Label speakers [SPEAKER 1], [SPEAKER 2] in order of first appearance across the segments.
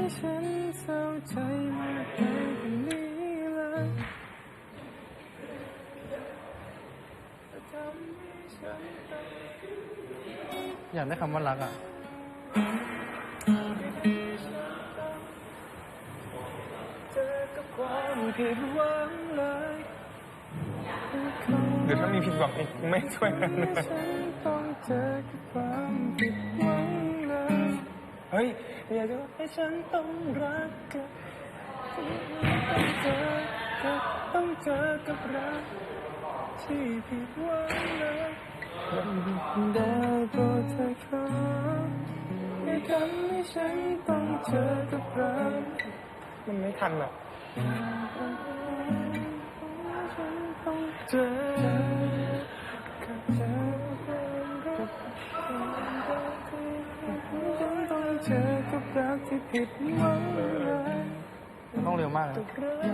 [SPEAKER 1] ฉันเศร้าใจมากไปกว่านี้เลยอยากได้คำว่ารักอ่ะหรือถ้ามีผิดหวังอีกไม่ช่วยกันเลยเฮ้ยอยากจะให้ฉันต้องรักกับต้องเจอกับรักที่ผิดหวังเลยได้โปรดเธอครับอย่าทำให้ฉันต้องเจอกับรักมันไม่ทันอ่ะเจอกับเธอต้องเจอกับรักที่ผิดหวังเลยต้องเร็วมากนะ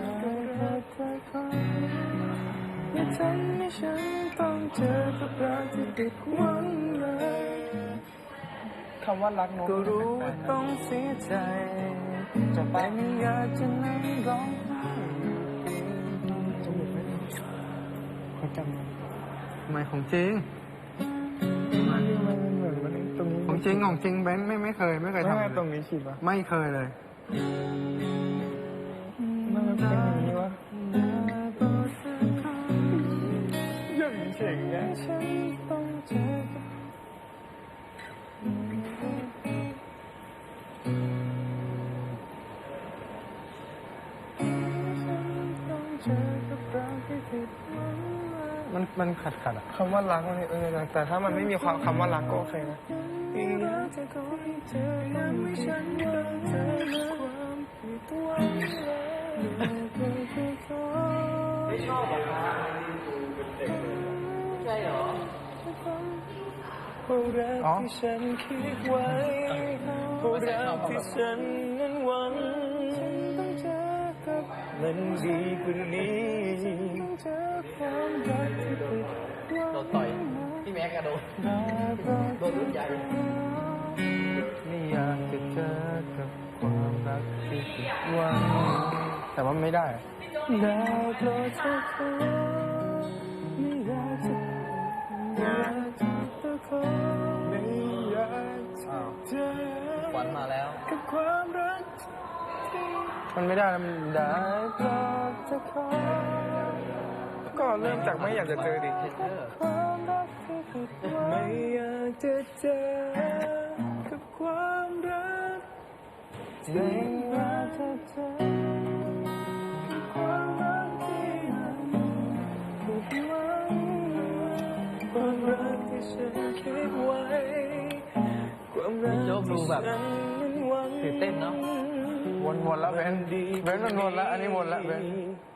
[SPEAKER 1] อย่าทำให้ฉันต้องเจอกับรักที่ผิดหวังเลยคำว่ารักโน้ตก็รู้ว่าต้องเสียใจจะไปไม่อยากจะนั่งร้องไห้จมูกไม่ดีเขาจำไม่ของจริงมันเหมือนมันตรงนี้ของจริงเบนไม่เคยทำตรงนี้ฉีดปะไม่เคยเลยมันเป็นอย่างนี้วะยังเฉยๆนะมันขัดอะคำว่ารักมันแต่ถ้ามันไม่มีความคำว่ารักก็โอเคนะ
[SPEAKER 2] ไม่ชอบแบบนั้นใช่เหรอ
[SPEAKER 1] รักที่ฉันคิดไว้รักที่ฉันนั้นหวังมันดีกว่านี้
[SPEAKER 2] โดนต่อยพี่แม็กกระโดดรุ่นใหญ่
[SPEAKER 1] ไม่อยากจะเจอกับความรักที่ผิดหวังแต่ว่าไม่ได้ได้โปรดเธอขอไม่อยากจะขอไม่อยากจะเจอ
[SPEAKER 2] ขวัญมาแล้ว
[SPEAKER 1] กับความรักมันไม่ได้แล้วมันได้โปรดเธอขอก็เริ่มจากไม่อยากจะเจอดิความรักที่ผิดหวังไม่อยากจะเจอกับความรักไม่อยากจะเจอกับความรักที่ผิดหวังความรักที่ฉันคิดไว้ความรักที่ฉันนั้นหวัง
[SPEAKER 2] ตื่นเต้นเนาะ
[SPEAKER 1] วนแล้วเบนมันวนแล้วอันนี้วนแล้วเบน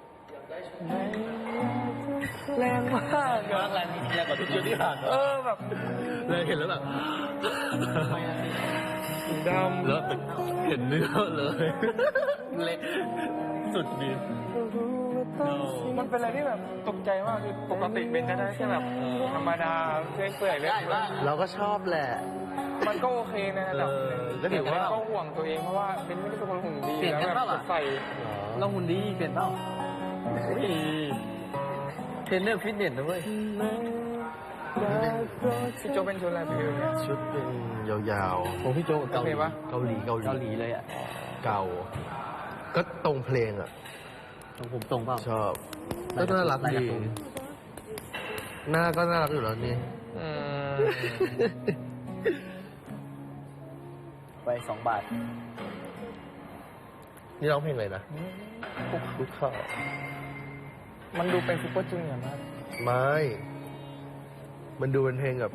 [SPEAKER 1] แรงมาก
[SPEAKER 2] แรงกว่าทุกชุดที่ผ่าน
[SPEAKER 1] แบบ
[SPEAKER 2] เลยเห็นแล้วแบบ
[SPEAKER 1] ดำ
[SPEAKER 2] แล้วเห็นเนื้อเลยเละสุดดี
[SPEAKER 1] มันเป็นอะไรที่แบบตกใจมากคือปกติเบนจะได้แค่แบบธรรมดาเปื่อยๆเลย
[SPEAKER 2] เราก็ชอบแหละ
[SPEAKER 1] มันก็โอเคในระดับนึงแต่ก็ห่วงตัวเองเพราะว่าเบนไม่ได้เป็นคนหุ่นดีแล้วแบบใส่
[SPEAKER 2] เราหุ่นดีเปลี่ยนเปล่าเทรนเนอร์ฟิตเนสนะเว้ย
[SPEAKER 1] พี่โจเป็นชุดอะไรพี่เนี่ย
[SPEAKER 2] ชุดเป็นยาวๆของพี่โจเกาหลีเลยอ่ะ
[SPEAKER 3] เก่าก็ตรงเพลงอ่ะ
[SPEAKER 2] ของผมตรงเปล่า
[SPEAKER 3] ชอบก็น่ารักดีหน้าก็น่ารักอยู่แล้วนี่
[SPEAKER 2] ไป2 บาท
[SPEAKER 3] นี่ร้องเพลงอะไรนะ
[SPEAKER 1] คุกเข่ามันดูเป็นซุปเปอร์จูเนียร์มาก
[SPEAKER 3] ไม่มันดูเป็นเพลงแบบ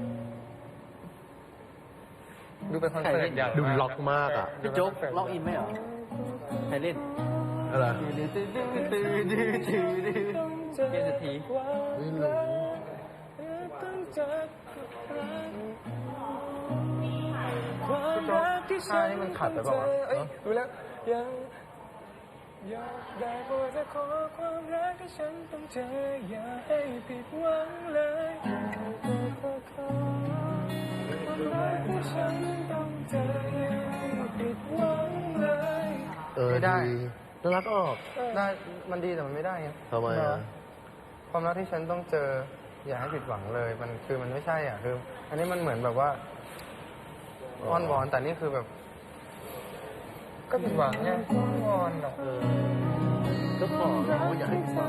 [SPEAKER 1] ดูเป็นคอนเสิร์ตใหญ่
[SPEAKER 3] ดูล็อกมากอ่ะ
[SPEAKER 2] พี่โจ๊กล็อกอินไหมเหรอใครเล่น
[SPEAKER 3] อะไร
[SPEAKER 2] เกมเศรษฐี
[SPEAKER 3] ไม่รู้
[SPEAKER 1] ท่านี่มันขัดไปเปล่าวะดูแล้วอยากได้โปรดจะขอความรักที่ฉันต้องเจออย่าให้ผิดหวังเลยความรักที่ฉันต้องเจออย่าให้ผิดหวังเลยไม่ได้
[SPEAKER 3] น่ารักออก
[SPEAKER 1] ได้มันดีแต่มันไม่ได้ไง
[SPEAKER 3] ทำไมอ่ะ
[SPEAKER 1] ความรักที่ฉันต้องเจอ อย่าให้ผิดหวังเลย มันคือมันไม่ใช่อ่ะคือ อันนี้มันเหมือนแบบว่าอ้อนวอนแต่นี่คือแบบ ก็ผิดหวังไงอ้อนวอนอ่ะ
[SPEAKER 3] ก็บอกแล้วว่าอย่าให้ฟัง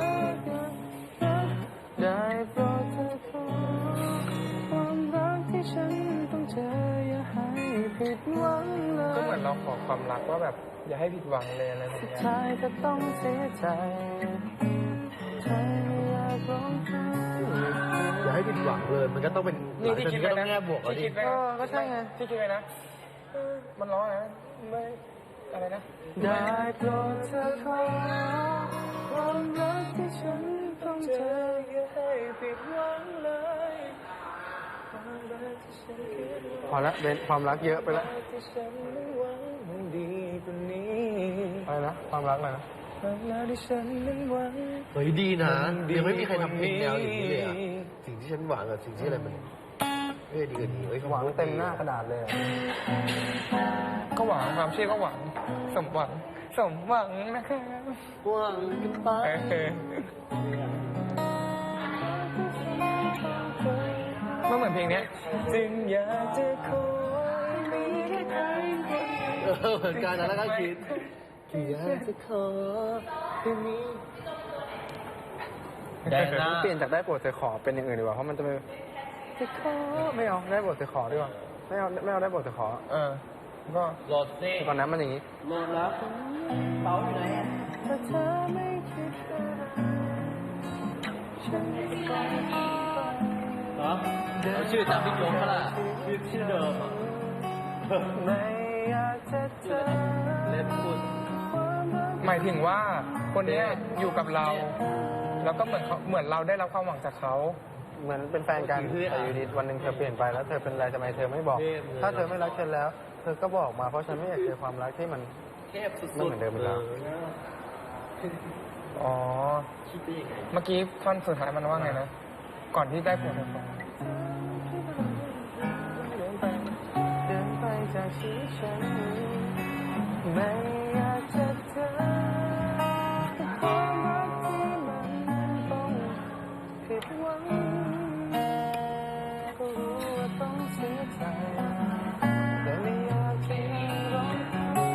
[SPEAKER 1] ได้โปรดเธอขอความรักที่ฉันต้องเจออย่าให้ผิดหวังเลยก็เหมือนเราขอความรักว่าแบบ อย่าให้ผิดหวังเลยอะไรแบบนี้สุดท้ายจะต้องเสียใจใจอยากร้องไห้
[SPEAKER 3] อย่าให้ผิดหวังเลย มันก็ต้องเป็น
[SPEAKER 1] นี่ที่คิด
[SPEAKER 3] ก็
[SPEAKER 1] ไว้
[SPEAKER 3] ต้อง
[SPEAKER 1] นะ
[SPEAKER 3] แง่บวกอ่ะ
[SPEAKER 1] ที่
[SPEAKER 3] ดิ
[SPEAKER 1] คิดไว้ก็ใช่ไงที่คิดไว้นะมันร้องนะไม่อะไรนะได้โปรดเธอขอความรักที่ฉันต้องเจออย่าให้ผิดหวังเลยพอละเป็นความรักเยอะไปแล้วอะไรนะความรักอะไรนะ
[SPEAKER 3] เฮ้ยดีนะยังไม่มีใครทำเพลงแนวอย่างนี้เลยอ่ะสิ่งที่ฉันหวังกับสิ่งที่อะไรมันดีกว่านี้เฮ้ย
[SPEAKER 1] หวังเต็มหน้ากระดาษเลยอะก็หวังความเชื่อก็หวังสมหวังสมหวังนะครับ
[SPEAKER 3] หวังกันไป
[SPEAKER 1] มันเหมือนเพลงเนี้ยจึงอยากจะคอยมีแค่ใครคนเดียว
[SPEAKER 3] เหมือนกันนะแล้วก็คิดอยากจะขอแค่นี้
[SPEAKER 2] แดงหน้า
[SPEAKER 1] เปลี่ยนจากได้โปรดเธอขอเป็นอย่างอื่นดีกว่าเพราะมันจะเป็นจะขอไม่เอาได้โปรดเธอขอดีกว่าไม่เอาได้โปรดเธอขอก็
[SPEAKER 2] โหลดสิ
[SPEAKER 1] ตอนนั้นมันอย่างนี้
[SPEAKER 2] โหลดแล้วเป๋าอยู่ไหนอ่ะ
[SPEAKER 1] ถ้าเธอไม่คิดว่าฉันจะกลายเป็นไป
[SPEAKER 2] เหรอเอาชื่อตามพี่โจ๊กก็ล่ะชื่อเดิมอ่ะ
[SPEAKER 1] ไม่อยากจะเจอ
[SPEAKER 2] เล่นพูด
[SPEAKER 1] หมายถึงว่าคนเนี้ยอยู่กับเรา แล้วก็เหมือนเราได้รับความหวังจากเขา เหมือนเป็นแฟนกันแต่อยู่ดีวันหนึ่งเธอเปลี่ยนไปแล้วเธอเป็นอะไรทำไมเธอไม่บอก ถ้าเธอไม่รักฉันแล้ว เธอก็บอกมาเพราะฉันไม่อยากเจอความรักที่มัน
[SPEAKER 2] เทพสุดๆ
[SPEAKER 1] ไม่เหมือนเดิมอีกแล้ว อ๋อ
[SPEAKER 2] คิดได้ยังไง
[SPEAKER 1] เมื่อกี้ท่อนสุดท้ายมันว่าไงนะ ก่อนที่ได้ผลเดินไปจากชีวิตฉันไม่อยากจะเจอความรักที่มันต้องผิดหวังก็รู้ว่าต้องเสียใจแต่ไม่อยากจะร้องไห้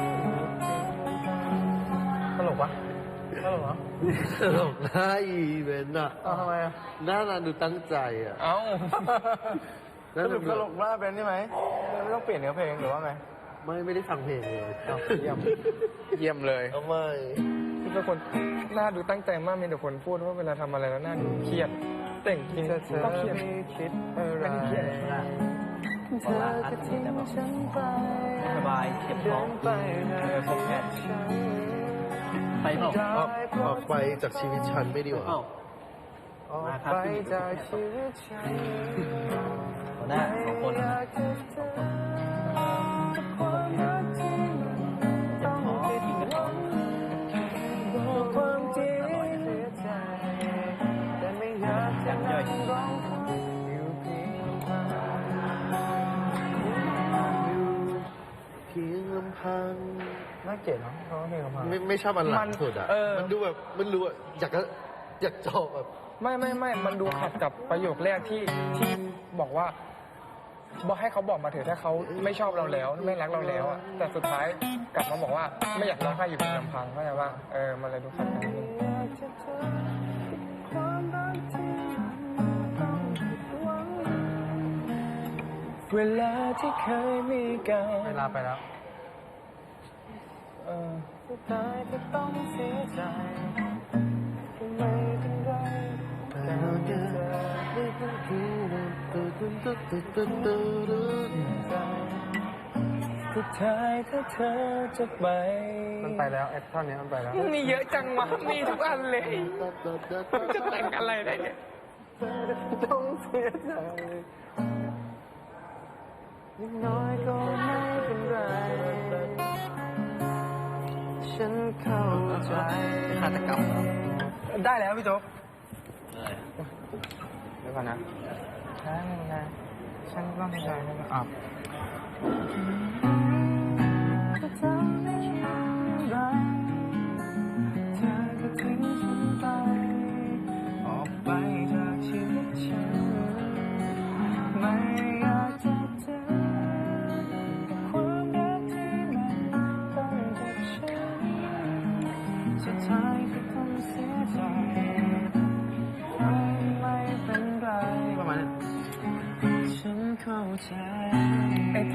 [SPEAKER 1] ตลกปะตลกเหรอ
[SPEAKER 3] ตลกหน้าอีเวนต์อ่ะ
[SPEAKER 1] เอาทำไมอ่ะ
[SPEAKER 3] หน้าดูตั้งใจอ่ะ
[SPEAKER 1] เอ้า
[SPEAKER 3] แล้ว
[SPEAKER 1] สรุปตลกว่าเป็นใช่ไหมไม่ต้องเปลี่ยนเนื้อเพลงหรือว่าไง
[SPEAKER 3] ไม่ได้ฟังเพลงเลย
[SPEAKER 1] เยี่ยม เยี่ยมเลย
[SPEAKER 3] ทำไม
[SPEAKER 1] ที่เป็นคนหน้าดูตั้งใจมากมีแต่คนพูดว่าเวลาทำอะไรแล้วหน้าดูเครียดแต่งจริงก็เครียดคิดอะไร
[SPEAKER 2] ไม่ได้เครียดเลยนะ
[SPEAKER 1] เธอจะทิ้งฉันไป
[SPEAKER 2] สบายเจ็บท้อง
[SPEAKER 1] ไป
[SPEAKER 2] พบแพทย์ไปเปล่า
[SPEAKER 3] ออกไปจากชีวิตฉันไม่ดีกว่า
[SPEAKER 2] เอ้า
[SPEAKER 1] ออกไปจากชีวิตฉัน
[SPEAKER 2] หัวหน้าสองคน
[SPEAKER 1] ไม่อยากจะเจอความรักที่มันต้องผิดหวังบอกความจริงเสียใจแต่ไม่อยากจะนั่งร้องไห้อยู่เพียงลำพัง
[SPEAKER 3] เพียงลำพัง
[SPEAKER 1] น่าเกลียดเนาะเพราะว่าเพลงลำพัง
[SPEAKER 3] ไม่ชอบอันหลังสุดอ่ะ มันดูแบบมันรู้อยากจบแบบ
[SPEAKER 1] ไม่มันดูขัดกับประโยคแรกที่บอกว่าบอกให้เขาบอกมาเถอะถ้าเขาไม่ชอบเราแล้วไม่รักเราแล้วอะแต่สุดท้ายกลับมาบอกว่าไม่อยากร้องไห้อยู่เป็นลำพังเข้าใจว่ามันเลยดูขัดกันนิดนึงเวลาที่เคยมีกันเวลาไปแล้วสุดท้ายจะต้องเสียใจไม่เป็นไรแต่เธอสุดท้ายถ้าเธอจะไปมันไปแล้วไอ้ท่อนนี้มันไปแล้วมีเยอะจังวะมีทุกอันเลยจะแต่งอะไรได้เนี่ยต้องเสียใจนิดน้อยก็ไม่เป็นไรฉันเข้าใจ
[SPEAKER 2] ฆาตกรรมเหรอ
[SPEAKER 1] ได้แล้วพี่โจ๊ก
[SPEAKER 2] อะไร
[SPEAKER 1] เดี๋ยวก่อนนะฉันไงฉันต้องใจนะอ่ะจะทำได้อย่างไร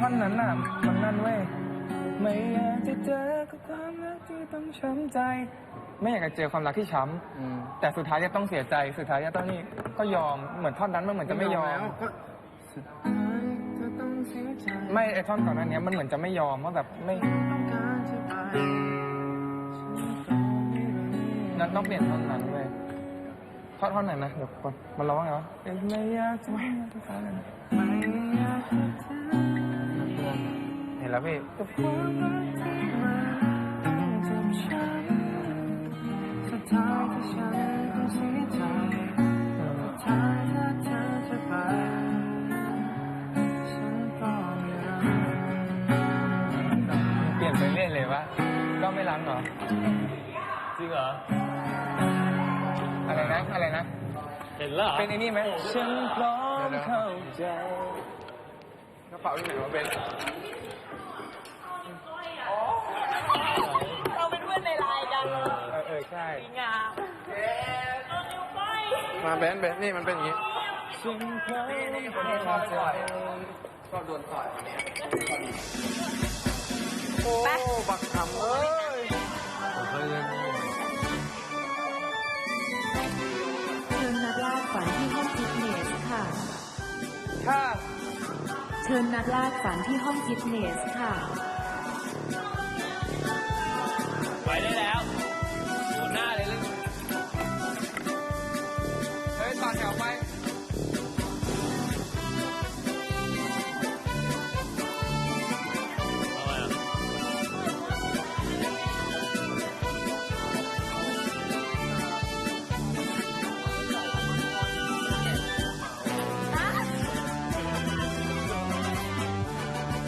[SPEAKER 1] ท่อนนั้นน่ะมันนั่นเว้ยไม่อยากจะเจอกับความรักที่ต้องช้ำใจ ไม่อยากจะเจอความรักที่ช้ำแต่สุดท้ายจะต้องเสียใจสุดท้ายจะต้องนี่ก็ยอมเหมือนท่อนนั้นมันเหมือนจะไม่ยอม ไม่ไอท่อนก่อนหน้านี้มันเหมือนจะไม่ยอมว่าแบบไม่นั้นต้องเปลี่ยนท่อนนั้นเว้ยท่อนไหนนะเดี๋ยวก่อนมันร้องไงวะไม่อยากจะเห็นแล้วพี่สุดท้ายที่ฉันต้องเสียใจสุดท้ายถ้าเธอจะไปฉันก็ไม่รักเปลี่ยนไปเรื่อยเลยวะก็ไม่รักเหรอจริงเหรออะไรนะเห็นแล้วเป็นไอ้นี่ไหมฉันพร้อมเข้าใจกระเป๋าที่ไหนวะเป็น
[SPEAKER 4] เราเป็นเพื่อนในไลน์กัน
[SPEAKER 1] ใช่
[SPEAKER 4] งาม
[SPEAKER 1] มาเบนนี่มันเป็นอย่างนี้นี่คนที่ชอบต่อยชอบโดนต่อยโอ้บักคำเอ้ย
[SPEAKER 3] ผมเคยเล่น
[SPEAKER 5] เชิญนักล่าฝันที่ห้องฟิตเนสค่ะ
[SPEAKER 1] ถ้า
[SPEAKER 5] เชิญนักล่าฝันที่ห้องฟิตเนสค่ะ
[SPEAKER 2] ไปได้แล้วโหหน้าเลย
[SPEAKER 1] เฮ้ยต่อแถวไป